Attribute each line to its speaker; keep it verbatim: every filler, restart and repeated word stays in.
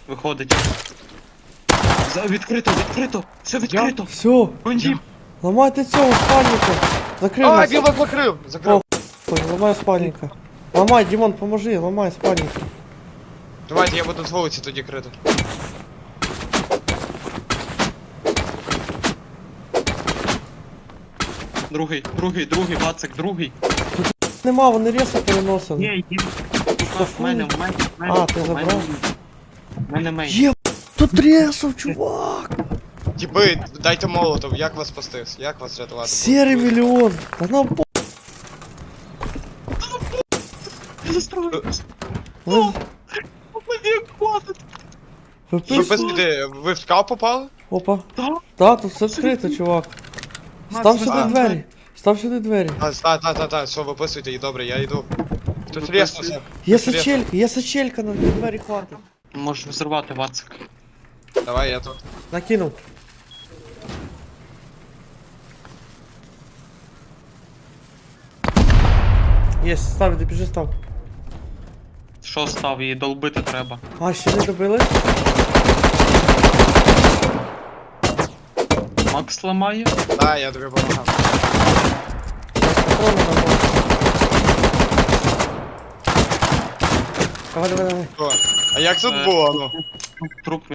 Speaker 1: Виходить. За, відкрито, відкрито! Все відкрито!
Speaker 2: Все,
Speaker 1: Вон
Speaker 2: ламайте цього спальника. Закрив
Speaker 3: А,
Speaker 2: нас.
Speaker 3: він вас закрив! Закрив.
Speaker 2: Ой, ламай спальника. Ламай, Дімон, поможи, ламай спальника.
Speaker 3: Давайте я буду з вулиці тоді крити.
Speaker 1: Другий, другий, другий, Вацик, другий.
Speaker 2: Нема, вони ресо переносили.
Speaker 1: Ні, є. В мене, в мене, в мене.
Speaker 2: А, ти
Speaker 1: в мене-
Speaker 2: забрав?
Speaker 1: В мене мейн.
Speaker 2: Є, тут ресов, чувак.
Speaker 3: Тіпи, дайте молотов, як вас спасти? Як вас рятувати?
Speaker 2: Серый миллион. Да нам по...
Speaker 1: Я застрою.
Speaker 2: Ви,
Speaker 1: Мені хватить.
Speaker 2: ви
Speaker 3: Ви
Speaker 2: пиш...
Speaker 3: без біди, ви в скал попали?
Speaker 2: Опа.
Speaker 1: Так?
Speaker 2: Да, тут все відкрито, чувак. Став сюди
Speaker 3: А.
Speaker 2: двері. Став сюди двері.
Speaker 3: А, та, та, та, та, все, виписуйте, і добре, я йду. Тут рєснуся.
Speaker 2: Є сачелька, є сачелька, на двері хватить.
Speaker 1: Можеш взривати, Вацик.
Speaker 3: Давай, я тут.
Speaker 2: Накинув. Єсть, став, іди, біжи, став.
Speaker 1: Що став, її долбити треба.
Speaker 2: А, ще не добили?
Speaker 1: Макс ламає.
Speaker 3: Та, я тобі помагав.
Speaker 2: Патрони на мову. Давай, давай, давай.
Speaker 3: О, а як тут
Speaker 1: Е,
Speaker 3: було, ну?
Speaker 1: Труп